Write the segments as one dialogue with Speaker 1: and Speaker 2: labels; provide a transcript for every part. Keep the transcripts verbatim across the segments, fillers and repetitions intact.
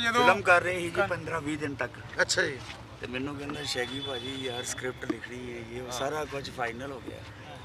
Speaker 1: ਜਦੋਂ
Speaker 2: ਫਿਲਮ ਕਰ ਰਹੇ ਸੀ ਜੀ ਪੰਦਰਾਂ ਵੀਹ ਦਿਨ ਤੱਕ
Speaker 3: ਅੱਛਾ ਜੀ।
Speaker 2: ਤੇ ਮੈਨੂੰ ਕਹਿੰਦਾ ਸ਼ੈਗੀ ਭਾਜੀ ਯਾਰ ਸਕ੍ਰਿਪਟ ਲਿਖਣੀ ਹੈ ਇਹ ਸਾਰਾ ਕੁਝ ਫਾਈਨਲ ਹੋ ਗਿਆ।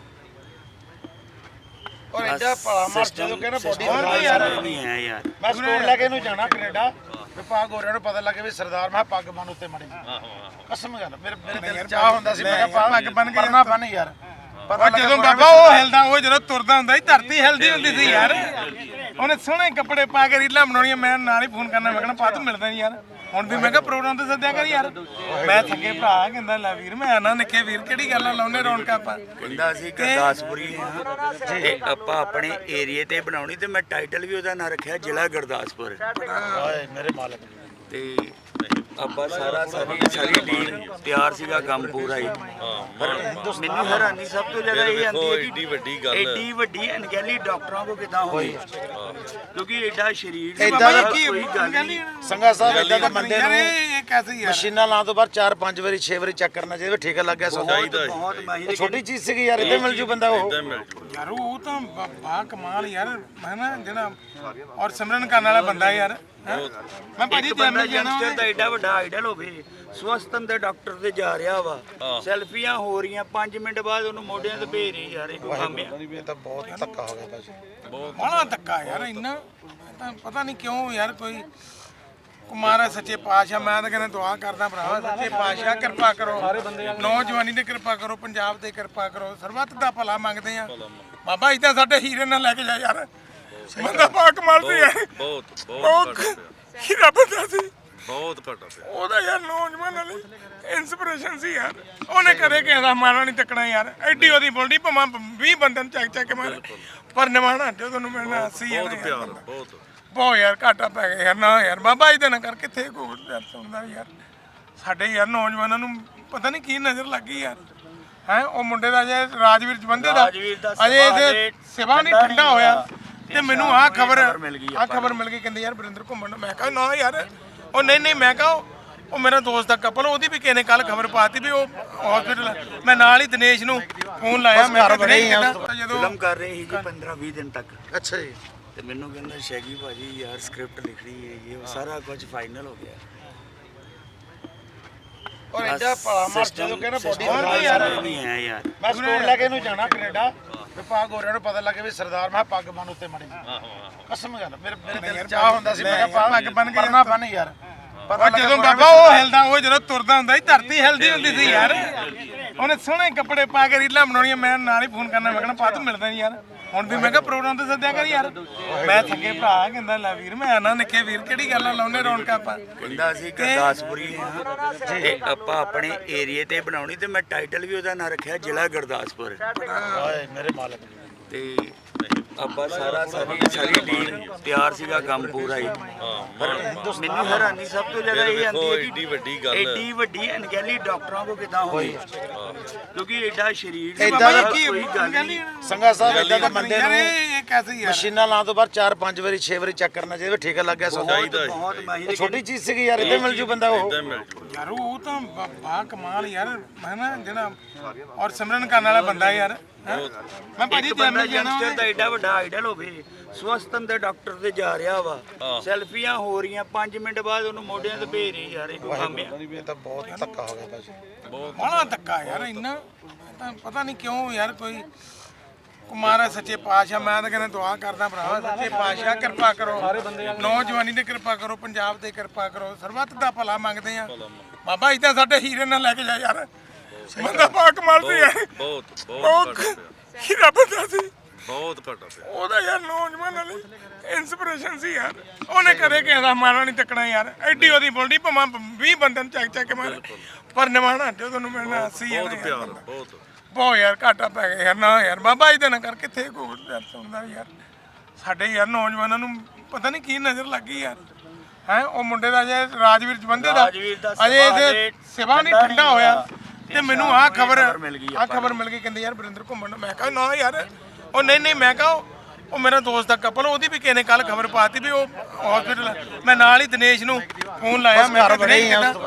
Speaker 3: ਔਰ ਐਡਾ ਭਲਾ ਮਾਰ ਜਦੋਂ ਕਹਿੰਦਾ ਬੋਡੀ
Speaker 2: ਬਣਾ ਯਾਰ ਨਹੀਂ ਹੈ ਯਾਰ।
Speaker 3: ਮੈਂ ਸਟੋਰ ਲੈ ਕੇ ਇਹਨੂੰ ਜਾਣਾ ਕੈਨੇਡਾ ਤੇ ਪੱਗ ਹੋਰਿਆਂ ਨੂੰ ਪਤਾ ਲੱਗੇ ਵੀ ਸਰਦਾਰ ਮੈਂ ਪੱਗ ਬੰਨ ਉੱਤੇ ਮੜੀ ਕਸਮ ਗੱਲ ਮੇਰੇ ਮੇਰੇ ਦਿਲ ਚ ਚਾਹ ਹੁੰਦਾ ਸੀ ਮੈਂ ਕਿਹਾ ਪੱਗ ਬੰਨ ਕੇ ਨਾ ਬੰਨ ਯਾਰ।
Speaker 1: ਉਹ ਜਦੋਂ ਬਾਬਾ ਉਹ ਹਿਲਦਾ ਉਹ ਜਦੋਂ ਤੁਰਦਾ ਹੁੰਦਾ ਸੀ ਧਰਤੀ ਹਿਲਦੀ ਹੁੰਦੀ ਸੀ ਯਾਰ। ਉਹਨੇ ਸੋਹਣੇ ਕੱਪੜੇ ਪਾ ਕੇ ਰੀਲਾਂ ਬਣਾਉਣੀਆਂ ਮੈਂ ਨਾਲ ਹੀ ਫੋਨ ਕਰਨਾ ਮੈਂ ਕਹਿਣਾ ਪਾ ਤੂੰ ਮਿਲਦਾ ਨਹੀਂ ਯਾਰ। ਹੁਣ ਵੀ ਮੈਂ ਕਿਹਾ ਪ੍ਰੋਗਰਾਮ ਤੇ ਸੱਦਿਆ ਕਰ ਯਾਰ। ਮੈਂ ਥੱਕੇ ਭਰਾ ਕਹਿੰਦਾ ਲੈ ਵੀਰ ਮੈਂ ਆਣਾ ਨਿੱਕੇ ਵੀਰ ਕਿਹੜੀ ਗੱਲ ਆ ਲਾਉਨੇ ਰੌਣਕਾਂ ਆਪਾਂ।
Speaker 2: ਕਹਿੰਦਾ ਅਸੀਂ ਗੁਰਦਾਸਪੁਰੀ ਹਾਂ ਤੇ ਆਪਾਂ ਆਪਣੇ ਏਰੀਏ ਤੇ ਬਣਾਉਣੀ ਤੇ ਮੈਂ ਟਾਈਟਲ ਵੀ ਉਹਦਾ ਨਾਂ ਰੱਖਿਆ ਜ਼ਿਲ੍ਹਾ ਗੁਰਦਾਸਪੁਰ।
Speaker 3: ਹਾਏ ਮੇਰੇ ਮਾਲਕ
Speaker 2: ਤੇ ਆਪਾਂ ਸਾਰਾ ਸਾਰੀ ਸਾਰੀ ਟੀਮ ਤਿਆਰ ਸੀਗਾ ਕੰਮ ਪੂਰਾ ਹੀ। ਪਰ ਮੈਨੂੰ ਹੈਰਾਨੀ ਸਭ ਤੋਂ ਜ਼ਿਆਦਾ ਇਹ ਆਉਂਦੀ ਹੈ ਕਿ ਏਡੀ ਵੱਡੀ ਗੱਲ ਏਡੀ ਵੱਡੀ ਅਣਗਹਿਲੀ ਡਾਕਟਰਾਂ ਕੋ ਕਿਦਾਂ ਹੋਈ ਕਿਉਂਕਿ ਐਡਾ ਸਰੀਰ
Speaker 3: ਏਦਾਂ ਦਾ
Speaker 2: ਕੋਈ ਗੱਲ ਨਹੀਂ।
Speaker 3: ਸੰਗਾ ਸਾਹਿਬ ਇਦਾਂ ਦੇ ਬੰਦੇ ਨੂੰ
Speaker 1: ਇਹ ਕੈਸੇ ਯਾਰ
Speaker 3: ਮਸ਼ੀਨਾਂ ਲਾਉਣ ਤੋਂ ਬਾਅਦ ਚਾਰ ਪੰਜ ਵਾਰੀ ਛੇ ਵਾਰੀ ਚੈੱਕ ਕਰਨਾ ਚਾਹੀਦਾ ਠੇਕਾ ਲੱਗ ਗਿਆ ਸੌਦਾ
Speaker 2: ਬਹੁਤ ਮਾਹਿਰ
Speaker 3: ਛੋਟੀ ਚੀਜ਼ ਸੀਗੀ ਯਾਰ ਇੱਥੇ ਮਿਲ ਜੂ ਬੰਦਾ ਉਹ
Speaker 1: ਯਾਰ ਉਹ ਤਾਂ ਬਾ- ਬਾ ਕਮਾਲ ਯਾਰ ਹੈ ਨਾ ਜਿਹੜਾ ਔਰ ਸਿਮਰਨ ਕਰਨ ਵਾਲਾ ਬੰਦਾ ਯਾਰ ਹੈਂ? ਮੈਂ ਭਾਜੀ
Speaker 2: ਇੱਕ ਬੰਦਾ
Speaker 1: ਜਨਮ ਜਾਣਾ
Speaker 2: ਯੰਗਸਟਰ ਦਾ ਐਡਾ ਵੱਡਾ ਆਈਡਲ ਹੋਵੇ ਸਵਸਥਨ ਦੇ ਡਾਕਟਰ ਤੇ ਜਾ ਰਿਹਾ ਵਾ ਸੈਲਫੀਆਂ ਹੋ ਰਹੀਆਂ ਪੰਜ ਮਿੰਟ ਬਾਅਦ ਉਹਨੂੰ ਮੋਢਿਆਂ ਤੇ ਭੇਜ ਰਹੀ ਯਾਰ ਇਹ ਕੋਈ ਕੰਮ ਆ।
Speaker 3: ਇਹ ਤਾਂ ਬਹੁਤ ਧੱਕਾ ਹੋ ਗਿਆ ਭਾਜੀ
Speaker 1: ਬੜਾ ਧੱਕਾ ਯਾਰ ਇੰਨਾ ਇਹ ਤਾਂ ਪਤਾ ਨਹੀਂ ਕਿਉਂ ਯਾਰ ਕੋਈ ਕੁਮਾਰਾ ਸੱਚੇ ਪਾਤਸ਼ਾਹ ਮੈਂ ਤਾਂ ਕਹਿੰਦਾ ਦੁਆ ਕਰਦਾ ਭਰਾਵਾ ਸੱਚੇ ਪਾਤਸ਼ਾਹ ਕਿਰਪਾ ਕਰੋ ਨੌਜਵਾਨੀ ਤੇ ਕਿਰਪਾ ਕਰੋ ਪੰਜਾਬ ਤੇ ਕਿਰਪਾ ਕਰੋ ਸਰਬੱਤ ਦਾ ਭਲਾ ਮੰਗਦੇ ਆ ਬਾਬਾ ਇਦਾਂ ਸਾਡੇ ਹੀਰੇ ਨਾਲ ਲੈ ਕੇ ਜਾ ਯਾਰ ਬੰਦਾ ਪਾਕ ਮਾਰਦੀ ਹੈ
Speaker 4: ਬਹੁਤ
Speaker 1: ਬਹੁਤ ਹੀਰਾ ਬੰਦਾ ਸੀ
Speaker 4: ਬਹੁਤ ਘਟਾ ਪਿਆ
Speaker 1: ਉਹਦਾ ਯਾਰ ਨੌਜਵਾਨਾਂ ਲਈ ਇਨਸਪੀਰੇਸ਼ਨ ਸੀ ਯਾਰ ਉਹਨੇ ਕਦੇ ਕਿਸੇ ਦਾ ਮਾਰਾ ਨਹੀਂ ਤੱਕਣਾ ਯਾਰ ਐਡੀ ਉਹਦੀ ਬੋਲਦੀ ਭਾਵੇਂ ਵੀਹ ਬੰਦਿਆਂ ਨੂੰ ਚੱਕ ਚੱਕ ਕੇ ਮਾਰੇ ਪਰ ਨਿਮਾਣਾ ਜਦੋਂ ਨੂੰ ਮਿਲਣਾ ਸੀ
Speaker 4: ਬਹੁਤ ਪਿਆਰ ਬਹੁਤ
Speaker 1: ਬਹੁਤ ਯਾਰ ਘਾਟਾ ਪੈ ਗਿਆ ਯਾਰ ਨਾ ਯਾਰ ਬਾਬਾ ਇਹਦੇ ਨਾਲ ਕਰ ਕਿੱਥੇ ਕੋਈ ਯਾਰ ਸੁਣਦਾ ਯਾਰ ਸਾਡੇ ਯਾਰ ਨੌਜਵਾਨਾਂ ਨੂੰ ਪਤਾ ਨਹੀਂ ਕੀ ਨਜ਼ਰ ਲੱਗੀ ਯਾਰ ਹੈ ਉਹ ਮੁੰਡੇ ਦਾ ਜੇ ਰਾਜਵੀਰ ਜਵੰਦੇ ਦਾ
Speaker 2: ਰਾਜਵੀਰ ਦਾ
Speaker 1: ਅਜੇ ਇਹਦੇ ਸਿਵਾ ਨਹੀਂ ਠੰਡਾ ਹੋਇਆ ਤੇ ਮੈਨੂੰ ਆਹ ਖਬਰ
Speaker 2: ਮਿਲ ਗਈ
Speaker 1: ਆਹ ਖਬਰ ਮਿਲ ਗਈ ਕਹਿੰਦੇ ਯਾਰ ਵਰਿੰਦਰ ਘੁੰਮਣ ਮੈਂ ਕਿਹਾ ਨਾ ਯਾਰ ਉਹ ਨਹੀਂ ਨਹੀਂ ਮੈਂ ਕਿਹਾ ਉਹ ਮੇਰਾ ਦੋਸਤ ਦਾ ਕਪਲ ਉਹਦੀ ਵੀ ਕਿਸੇ ਨੇ ਕੱਲ ਖਬਰ ਪਾਤੀ ਵੀ ਉਹ ਹਸਪੀਟਲ ਮੈਂ ਨਾਲ ਹੀ ਦਿਨੇਸ਼ ਨੂੰ ਫੋਨ ਲਾਇਆ ਮੈਂ ਕਿਹਾ ਦਿਨੇਸ਼ ਕਿੱਦਾਂ ਜਦੋਂ
Speaker 2: ਫਿਲਮ ਕਰ ਰਹੇ ਸੀ ਜੀ ਪੰਦਰਾਂ ਵੀਹ ਦਿਨ ਤੱਕ
Speaker 3: ਅੱਛਾ ਜੀ।
Speaker 2: ਤੇ ਮੈਨੂੰ ਕਹਿੰਦਾ ਸ਼ੈਗੀ ਭਾਜੀ ਯਾਰ ਸਕ੍ਰਿਪਟ ਲਿਖਣੀ ਹੈ ਇਹ ਸਾਰਾ ਕੁਝ ਫਾਈਨਲ ਹੋ ਗਿਆ।
Speaker 3: ਔਰ ਐਡਾ ਭਲਾ ਮਾਰ ਜਦੋਂ ਕਹਿੰਦਾ ਬੋਡੀ ਬਣਾ
Speaker 2: ਯਾਰ ਨਹੀਂ ਹੈ ਯਾਰ।
Speaker 3: ਮੈਂ ਸਟੋਰ ਲੈ ਕੇ ਇਹਨੂੰ ਜਾਣਾ ਕੈਨੇਡਾ ਤੇ ਪੱਗ ਹੋਰਿਆਂ ਨੂੰ ਪਤਾ ਲੱਗੇ ਵੀ ਸਰਦਾਰ ਮੈਂ ਪੱਗ ਬੰਨ ਉੱਤੇ ਮੜੀ ਕਸਮ ਗੱਲ ਮੇਰੇ ਮੇਰੇ ਦਿਲ ਚ ਚਾਹ ਹੁੰਦਾ ਸੀ ਮੈਂ ਕਿਹਾ ਪੱਗ ਬੰਨ ਕੇ ਨਾ ਬੰਨ ਯਾਰ।
Speaker 1: ਉਹ ਜਦੋਂ ਬਾਬਾ ਉਹ ਹਿਲਦਾ ਉਹ ਜਦੋਂ ਤੁਰਦਾ ਹੁੰਦਾ ਸੀ ਧਰਤੀ ਹਿਲਦੀ ਹੁੰਦੀ ਸੀ ਯਾਰ। ਉਹਨੇ ਸੋਹਣੇ ਕੱਪੜੇ ਪਾ ਕੇ ਰੀਲਾਂ ਬਣਾਉਣੀਆਂ ਮੈਂ ਨਾਲ ਹੀ ਫੋਨ ਕਰਨਾ ਮੈਂ ਕਹਿਣਾ ਪਾ ਤੂੰ ਮਿਲਦਾ ਨਹੀਂ ਯਾਰ। ਹੁਣ ਵੀ ਮੈਂ ਕਿਹਾ ਪ੍ਰੋਗਰਾਮ ਤੇ ਸੱਦਿਆ ਕਰ ਯਾਰ। ਮੈਂ ਥੱਕੇ ਭਰਾ ਕਹਿੰਦਾ ਲੈ ਵੀਰ ਮੈਂ ਆਣਾ ਨਿੱਕੇ ਵੀਰ ਕਿਹੜੀ ਗੱਲ ਆ ਲਾਉਨੇ ਰੌਣਕਾਂ ਆਪਾਂ।
Speaker 2: ਕਹਿੰਦਾ ਅਸੀਂ ਗੁਰਦਾਸਪੁਰੀ ਹਾਂ ਤੇ ਆਪਾਂ ਆਪਣੇ ਏਰੀਏ ਤੇ ਬਣਾਉਣੀ ਤੇ ਮੈਂ ਟਾਈਟਲ ਵੀ ਉਹਦਾ ਨਾਂ ਰੱਖਿਆ ਜ਼ਿਲ੍ਹਾ ਗੁਰਦਾਸਪੁਰ।
Speaker 3: ਹਾਏ ਮੇਰੇ ਮਾਲਕ
Speaker 2: ਤੇ ਆਪਾਂ ਸਾਰਾ ਸਾਰੀ ਸਾਰੀ ਟੀਮ ਤਿਆਰ ਸੀਗਾ ਕੰਮ ਪੂਰਾ ਹੀ। ਪਰ ਮੈਨੂੰ ਹੈਰਾਨੀ ਸਭ ਤੋਂ ਜ਼ਿਆਦਾ ਇਹ ਆਉਂਦੀ ਹੈ
Speaker 4: ਏਡੀ ਵੱਡੀ ਗੱਲ
Speaker 2: ਏਡੀ ਵੱਡੀ ਅਣਗਹਿਲੀ ਡਾਕਟਰਾਂ ਕੋ ਕਿਦਾਂ ਹੋਈ ਕਿਉਂਕਿ ਐਡਾ ਸਰੀਰ
Speaker 3: ਏਦਾਂ ਦਾ
Speaker 2: ਕੋਈ ਗੱਲ ਨਹੀਂ।
Speaker 3: ਸੰਗਾ ਸਾਹਿਬ ਇਦਾਂ ਦੇ ਬੰਦੇ
Speaker 1: ਯਾਰ
Speaker 3: ਨੂੰ
Speaker 1: ਇਹ ਕੈਸੇ ਯਾਰ
Speaker 3: ਮਸ਼ੀਨਾਂ ਲਾਉਣ ਤੋਂ ਬਾਅਦ ਚਾਰ ਪੰਜ ਵਾਰੀ ਛੇ ਵਾਰੀ ਚੈੱਕ ਕਰਨਾ ਚਾਹੀਦਾ ਠੇਕਾ ਲੱਗ ਗਿਆ ਸੌਦਾ
Speaker 2: ਬਹੁਤ ਮਾਹਿਰ
Speaker 3: ਛੋਟੀ ਚੀਜ਼ ਸੀਗੀ ਯਾਰ ਇੱਥੇ ਮਿਲ ਜੂ ਬੰਦਾ ਉਹ
Speaker 1: ਯਾਰ ਉਹ ਤਾਂ ਬਾ- ਬਾ ਕਮਾਲ ਯਾਰ ਹੈ ਨਾ ਜਿਹੜਾ ਔਰ ਸਿਮਰਨ ਕਰਨ ਵਾਲਾ ਬੰਦਾ ਯਾਰ ਹੈਂ? ਮੈਂ ਭਾਜੀ
Speaker 2: ਇੱਕ ਬੰਦਾ
Speaker 1: ਜਨਮ ਜਾਣਾ
Speaker 2: ਯੰਗਸਟਰ ਦਾ ਐਡਾ ਵੱਡਾ ਆਈਡਲ ਹੋਵੇ ਸਵਸਥਨ ਦੇ ਡਾਕਟਰ ਤੇ ਜਾ ਰਿਹਾ ਵਾ ਸੈਲਫੀਆਂ ਹੋ ਰਹੀਆਂ ਪੰਜ ਮਿੰਟ ਬਾਅਦ ਉਹਨੂੰ ਮੋਢਿਆਂ ਤੇ ਭੇਜ ਰਹੀ ਯਾਰ ਇਹ ਕੋਈ ਕੰਮ ਆ।
Speaker 3: ਇਹ ਤਾਂ ਬਹੁਤ ਧੱਕਾ ਹੋ ਗਿਆ ਭਾਜੀ
Speaker 1: ਬੜਾ ਧੱਕਾ ਯਾਰ ਇੰਨਾ ਇਹ ਤਾਂ ਪਤਾ ਨਹੀਂ ਕਿਉਂ ਯਾਰ ਕੋਈ ਕੁਮਾਰਾ ਸੱਚੇ ਪਾਤਸ਼ਾਹ ਮੈਂ ਤਾਂ ਕਹਿੰਦਾ ਦੁਆ ਕਰਦਾ ਭਰਾਵਾ ਸੱਚੇ ਪਾਤਸ਼ਾਹ ਕਿਰਪਾ ਕਰੋ ਨੌਜਵਾਨੀ ਤੇ ਕਿਰਪਾ ਕਰੋ ਪੰਜਾਬ ਤੇ ਕਿਰਪਾ ਕਰੋ ਸਰਬੱਤ ਦਾ ਭਲਾ ਮੰਗਦੇ ਆ ਬਾਬਾ ਇਦਾਂ ਸਾਡੇ ਹੀਰੇ ਨਾਲ ਲੈ ਕੇ ਜਾ ਯਾਰ ਬੰਦਾ ਪਾਕ ਮਾਰਦੀ ਹੈ
Speaker 4: ਬਹੁਤ
Speaker 1: ਬਹੁਤ ਹੀਰਾ ਬੰਦਾ ਸੀ
Speaker 4: ਬਹੁਤ ਘਟਾ ਪਿਆ
Speaker 1: ਉਹਦਾ ਯਾਰ ਨੌਜਵਾਨਾਂ ਲਈ ਇਨਸਪੀਰੇਸ਼ਨ ਸੀ ਯਾਰ ਉਹਨੇ ਕਦੇ ਕਿਸੇ ਦਾ ਮਾਰਾ ਨਹੀਂ ਤੱਕਣਾ ਯਾਰ ਐਡੀ ਉਹਦੀ ਬੋਲਦੀ ਭਾਵੇਂ ਵੀਹ ਬੰਦਿਆਂ ਨੂੰ ਚੱਕ ਚੱਕ ਕੇ ਮਾਰੇ ਪਰ ਨਿਮਾਣਾ ਜਦੋਂ ਨੂੰ ਮਿਲਣਾ ਸੀ
Speaker 4: ਬਹੁਤ ਪਿਆਰ ਬਹੁਤ
Speaker 1: ਬਹੁਤ ਯਾਰ ਘਾਟਾ ਪੈ ਗਿਆ ਯਾਰ ਨਾ ਯਾਰ ਬਾਬਾ ਇਹਦੇ ਨਾਲ ਕਰ ਕਿੱਥੇ ਕੋਈ ਯਾਰ ਸੁਣਦਾ ਯਾਰ ਸਾਡੇ ਯਾਰ ਨੌਜਵਾਨਾਂ ਨੂੰ ਪਤਾ ਨਹੀਂ ਕੀ ਨਜ਼ਰ ਲੱਗੀ ਯਾਰ ਹੈ ਉਹ ਮੁੰਡੇ ਦਾ ਜੇ ਰਾਜਵੀਰ ਜਵੰਦੇ ਦਾ
Speaker 2: ਰਾਜਵੀਰ ਦਾ
Speaker 1: ਅਜੇ ਇਹਦੇ ਸਿਵਾ ਨਹੀਂ ਠੰਡਾ ਹੋਇਆ ਤੇ ਮੈਨੂੰ ਆਹ ਖਬਰ
Speaker 2: ਮਿਲ ਗਈ
Speaker 1: ਆਹ ਖਬਰ ਮਿਲ ਗਈ ਕਹਿੰਦੇ ਯਾਰ ਵਰਿੰਦਰ ਘੁੰਮਣ ਮੈਂ ਕਿਹਾ ਨਾ ਯਾਰ ਉਹ ਨਹੀਂ ਨਹੀਂ ਮੈਂ ਕਿਹਾ ਉਹ ਮੇਰਾ ਦੋਸਤ ਦਾ ਕਪਲ ਉਹਦੀ ਵੀ ਕਿਸੇ ਨੇ ਕੱਲ ਖਬਰ ਪਾਤੀ ਵੀ ਉਹ ਹਸਪੀਟਲ ਮੈਂ ਨਾਲ ਹੀ ਦਿਨੇਸ਼ ਨੂੰ ਫੋਨ ਲਾਇਆ ਮੈਂ ਕਿਹਾ ਦਿਨੇਸ਼ ਕਿੱਦਾਂ